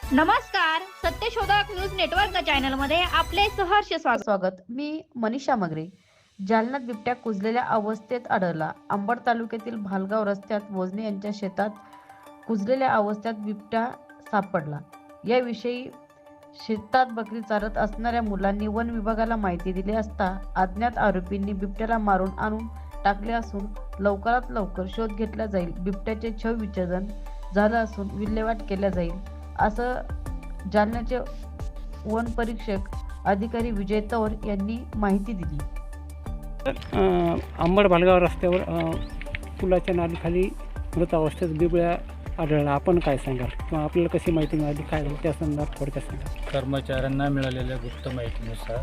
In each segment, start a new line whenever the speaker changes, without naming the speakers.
नमस्कार, सत्यशोधक news network चॅनलमध्ये आपले सहर्ष स्वागत। मी मनीषा मगरे। जालन्यात बिबट्या कुजलेल्या अवस्थेत आढळला। अंबड तालुक्यातील भालगाव रस्त्यात वजने यांच्या शेतात कुजलेल्या अवस्थेत बिबट्या सापडला। याविषयी शेतात बकरी चारत असणाऱ्या मुलांनी वन विभागाला माहिती दिली असता अज्ञात आरोपींनी बिबट्याला मारून आणून टाकले असून लवकरात लवकर शोध घेतला जाईल। बिबट्याचे शवविच्छेदन झालं असून विल्हेवाट केल्या जाईल असं जालन्याचे वन परीक्षक अधिकारी विजय तौर यांनी माहिती दिली।
अंबड भालगाव रस्त्यावर पुलाच्या नालीखाली मृत अवस्थेत बिबट्या आढळला। आपण काय सांगाल किंवा आपल्याला कशी माहिती मिळाली, काय झालं त्या संदर्भात थोडक्यात सांगा।
कर्मचाऱ्यांना मिळालेल्या गुप्त माहितीनुसार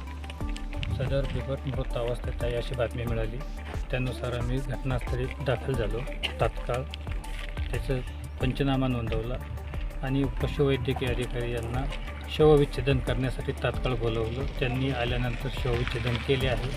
सदर बिबट मृत अवस्थेत आहे अशी बातमी मिळाली। त्यानुसार आम्ही घटनास्थळी दाखल झालो। तात्काळ त्याचं पंचनामा नोंदवला आणि पशुवैद्यकीय अधिकारी यांना शवविच्छेदन करण्यासाठी तात्काळ बोलवलं। त्यांनी आल्यानंतर शवविच्छेदन केले आहे।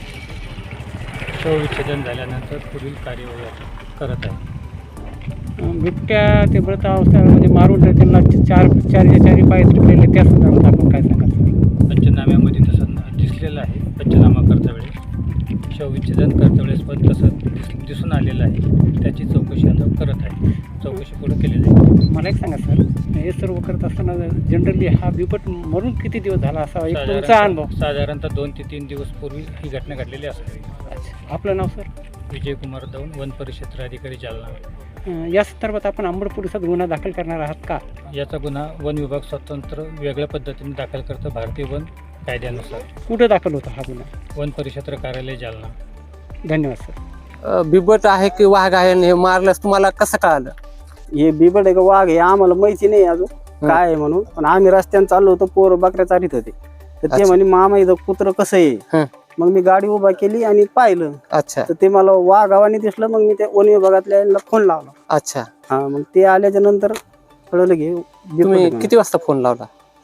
शवविच्छेदन झाल्यानंतर पुढील कार्यवाही करत आहे।
बिबट्या ते मृत अवस्थेमध्ये मारून त्यांना चारी पाय तुटलेले त्या संदर्भात आपण काय सांगाल?
पंचनाम्यामध्ये तसं दिसलेलं आहे। पंचनामा करता वेळेस शवविच्छेदन करता वेळेस पण तसं दिसून आलेलं आहे। त्याची चौकशी आता करत आहे। चौकशी पुढे केलेली आहे।
मला एक सांगा सर, हे सर्व करत असताना जनरली हा बिबट मरून किती दिवस झाला असा एक तुमचा अनुभव?
साधारणतः 2 ते 3 दिवस पूर्वी ही घटना घडलेली असावी।
आपलं नाव सर?
विजय कुमार दौन, वन परिक्षेत्र अधिकारी जालना।
या संदर्भात आपण अंबड पोलिसात गुन्हा दाखल करणार आहात का?
याचा गुन्हा वन विभाग स्वतंत्र वेगळ्या पद्धतीने दाखल करतं भारतीय वन कायद्यानुसार।
कुठे दाखल होता हा गुन्हा?
वन परिक्षेत्र कार्यालय जालना।
धन्यवाद सर।
बिबट आहे की वाघ आहे हे मारल्यास तुम्हाला कसं कळालं?
हे बिबट आहे का वाघ हे आम्हाला माहिती नाही अजून काय आहे म्हणून, पण आम्ही रस्त्याने चाललो होतो, पोर बकऱ्या चारीत होते तर ते म्हणे मामा इथं कुत्र कसं आहे। मग मी गाडी उभा केली आणि पाहिलं
अच्छा
तर ते मला वाघावाने दिसलं। मग मी त्या वन विभागातल्या फोन लावला।
अच्छा,
हा, मग ते आल्याच्या नंतर कळलं की
तुम्ही किती वाजता फोन लावला?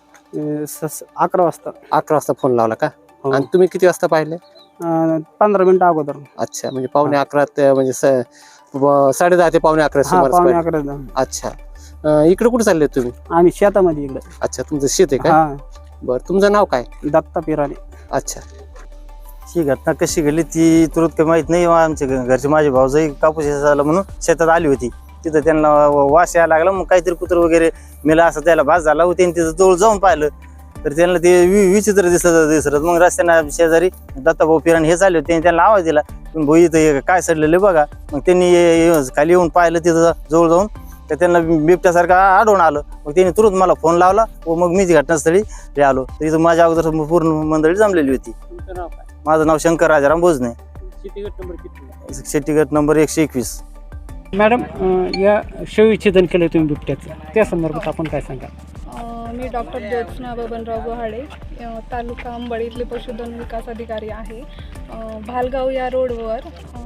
11 वाजता
11 वाजता फोन लावला का?
हो.
आणि तुम्ही किती वाजता पाहिले?
15 मिनिटं अगोदर।
अच्छा, म्हणजे पावणे 11 म्हणजे 10:30 ते पावणे 11
हा,
सुमारास
पावणे
पाहिले.
11
अच्छा, इकडे कुठे चालले तुम्ही?
आम्ही शेतामध्ये इकडे।
अच्छा, तुमचं शेत आहे का?
हा,
बरं, तुमचं नाव काय?
दत्ता पिराने।
अच्छा,
ही घटना कशी घडली ती तुरंत काही माहित नाही। आमच्या घरचे माझे भाऊजाई कापूस झाला म्हणून शेतात आली होती। तिथं त्यांना वास यायला लागला। मग काहीतरी कुत्र वगैरे मेला असं त्याला भास झाला होती। तिथं जवळ जाऊन पाहिलं तर त्यांना ते विचित्र दिसत। मग रस्त्याने शेजारी दत्ताभाऊ पिराने हे चालले होते, त्यांना आवाज दिला भाऊ इथं काय सडलेलं बघा। मग त्यांनी खाली येऊन पाहिलं, तिथं जवळ जाऊन तर त्यांना बिबट्यासारखं आढळून आलं। मग त्यांनी तुरंत मला फोन लावला व मग मी घटनास्थळी आलो। तर इथं माझ्या अगोदर पूर्ण मंडळी जमलेली होती।
तुमचं नाव काय?
माझं नाव शंकर राजाराम भोजने,
शेतीगट नंबर किती?
शेतीगट नंबर 121।
मॅडम, या शवविच्छेदन केलं तुम्ही बिबट्याचं, त्या संदर्भात आपण काय सांगा?
मी डॉक्टर ज्योत्स्ना बबनराव गुहाळे, तालुका अंबड इथले पशुधन विकास अधिकारी आहे। भालगाव या रोडवर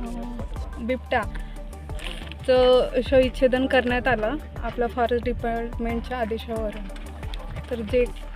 बिबट्याचं शवविच्छेदन करण्यात आलं आपल्या फॉरेस्ट डिपार्टमेंटच्या आदेशावर। तर जे